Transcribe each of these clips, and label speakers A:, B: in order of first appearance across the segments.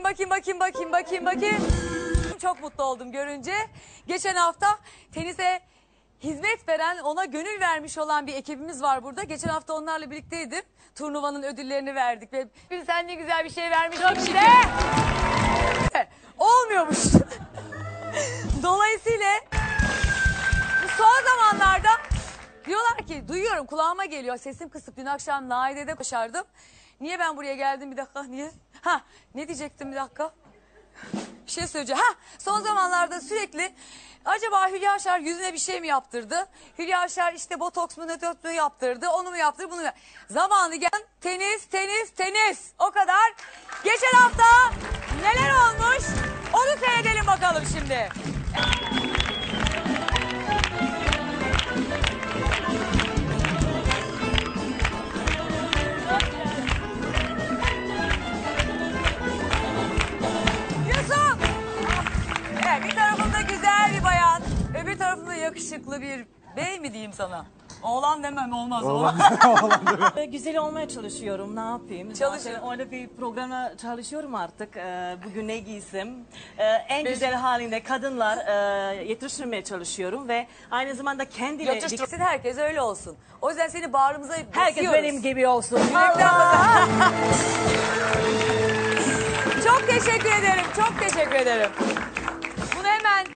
A: bakayım. Çok mutlu oldum görünce. Geçen hafta tenise hizmet veren, ona gönül vermiş olan bir ekibimiz var burada. Geçen hafta onlarla birlikteydim. Turnuvanın ödüllerini verdik ve sen ne güzel bir şey vermişsin bize. Olmuyormuş. Dolayısıyla bu son zamanlarda diyorlar ki, duyuyorum, kulağıma geliyor, sesim kısık. Dün akşam Naide'de başardım. Niye ben buraya geldim, bir dakika, niye? Ne diyecektim, bir dakika. Bir şey söyleyeceğim. Son zamanlarda sürekli acaba Hülya Avşar yüzüne bir şey mi yaptırdı? Hülya Avşar işte botoks mu nötört mu yaptırdı? Onu mu yaptırdı, bunu mu yaptırdı? Zamanı gelen tenis. O kadar. Geçen hafta neler olmuş? Onu seyredelim bakalım şimdi. Bir tarafında güzel bir bayan, öbür tarafında yakışıklı bir bey mi diyeyim sana? Oğlan demem, olmaz.
B: Güzel olmaya çalışıyorum, ne yapayım?
A: Çalışın.
B: Orada bir programa çalışıyorum artık. Bugün ne giysem. En güzel halinde kadınlar yetiştirmeye çalışıyorum ve aynı zamanda kendine...
A: Yetiştirsin, herkes öyle olsun. O yüzden seni bağrımıza basıyoruz.
B: Herkes benim gibi olsun.
A: Çok teşekkür ederim. Bunu hemen...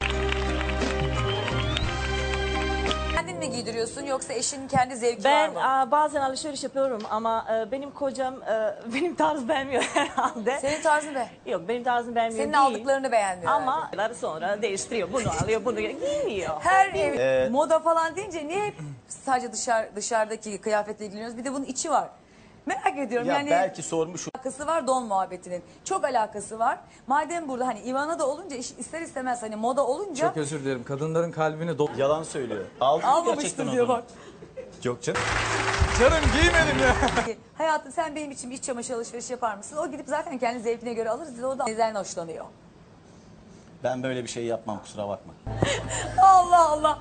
A: Kendin mi giydiriyorsun yoksa eşinin kendi zevki var mı?
B: Ben bazen alışveriş yapıyorum ama benim kocam benim tarzı beğenmiyor herhalde.
A: Senin tarzın ne?
B: Yok, benim tarzım beğenmiyor
A: Senin
B: değil.
A: aldıklarını beğenmiyor.
B: Ama sonra değiştiriyor. Bunu alıyor, bunu giymiyor.
A: Her ev moda falan deyince niye hep sadece dışarıdaki kıyafetle ilgileniyoruz? Bir de bunun içi var. Merak ediyorum
C: Ya
A: yani.
C: belki sormuş.
A: Alakası var don muhabbetinin. Çok alakası var. Madem burada hani Ivana da olunca ister istemez hani moda olunca.
D: Çok özür dilerim. Kadınların kalbini
C: Yalan söylüyor. Aldın mı gerçekten
A: Almamıştır
C: onu?
A: diyor bak.
C: Yok canım.
D: Canım giymedim ya.
A: Hayatım, sen benim için bir iç çamaşır alışverişi yapar mısın? O gidip zaten kendi zevkine göre alır. O da neden hoşlanıyor.
C: Ben böyle bir şey yapmam, kusura bakma.
A: Allah.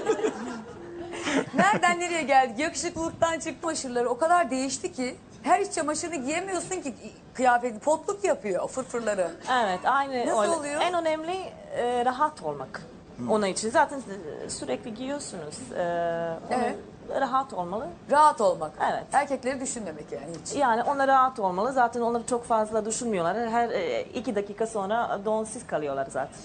A: Nereden nereye geldik? Yakışıklılıktan çıktı aşırıları. O kadar değişti ki. Her iç çamaşırını giyemiyorsun ki, kıyafeti potluk yapıyor o fırfırları.
B: Evet, aynı.
A: Nasıl
B: öyle.
A: oluyor?
B: En önemli rahat olmak. Onun için zaten sürekli giyiyorsunuz.
A: Evet.
B: Rahat olmalı.
A: Rahat olmak.
B: Evet.
A: Erkekleri düşünmemek yani hiç.
B: Yani onlar rahat olmalı. Zaten onları çok fazla düşünmüyorlar. Her 2 dakika sonra donsuz kalıyorlar zaten.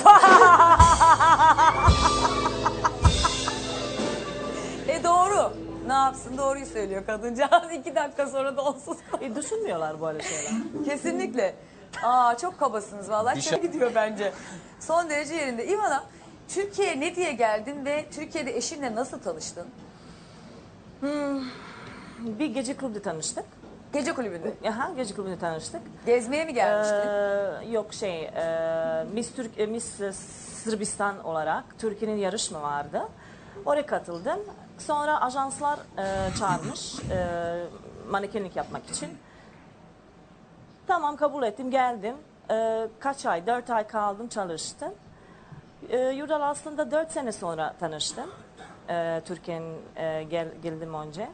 A: Doğru. Ne yapsın? Doğruyu söylüyor kadıncağız. 2 dakika sonra da onsuz kalıyor.
B: Düşünmüyorlar böyle şeyler.
A: Kesinlikle. Çok kabasınız vallahi. Çok gidiyor bence. Son derece yerinde. İvana, Türkiye'ye ne diye geldin ve Türkiye'de eşinle nasıl tanıştın?
B: Bir gece kulübünde tanıştık.
A: Gece kulübünde.
B: Gece kulübünde tanıştık.
A: Gezmeye mi gelmiştin?
B: Yok Miss Sırbistan olarak Türkiye'nin yarışma vardı. Oraya katıldım. Sonra ajanslar çağırmış manekenlik yapmak için. Tamam, kabul ettim, geldim. Kaç ay? 4 ay kaldım, çalıştım. Yurdal aslında 4 sene sonra tanıştım. Türkiye'nin geldim önce.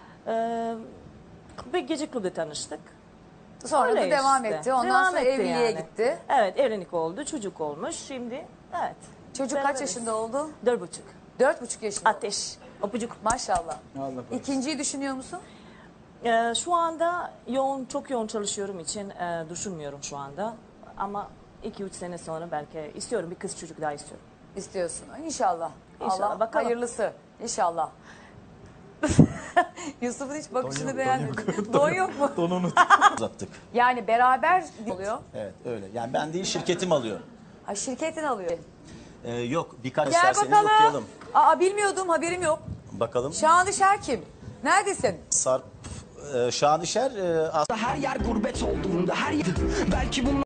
B: Bir gece kulübü tanıştık.
A: Sonra
B: Öyle
A: da devam
B: işte.
A: etti. Ondan
B: Devam
A: sonra
B: etti
A: evliliğe
B: yani.
A: gitti.
B: Evet, evlilik oldu, çocuk olmuş. Şimdi evet.
A: Çocuk kaç
B: beraberiz.
A: yaşında oldu?
B: 4,5.
A: 4,5 yaşında.
B: Ateş. Öpücük.
A: Maşallah.
D: Allah korusun.
A: İkinciyi düşünüyor musun?
B: Şu anda çok yoğun çalışıyorum için düşünmüyorum şu anda. Ama 2-3 sene sonra belki istiyorum, bir kız çocuk daha istiyorum.
A: İstiyorsun. İnşallah.
B: İnşallah,
A: Allah
B: bakalım.
A: hayırlısı. İnşallah. Yusuf'un hiç bakışını beğenmedim. Don yok mu?
D: Donunu
C: Uzattık.
A: Yani beraber oluyor.
C: Evet öyle. Yani ben değil, şirketim alıyor.
A: Şirketin alıyor.
C: Yok, birkaç
A: Gel
C: isterseniz
A: bakalım.
C: okuyalım.
A: Bilmiyordum, haberim yok.
C: Bakalım.
A: Şanışer kim? Neredesin?
C: Sarp Şanışer
E: Her yer gurbet olduğunda her yer belki bunlar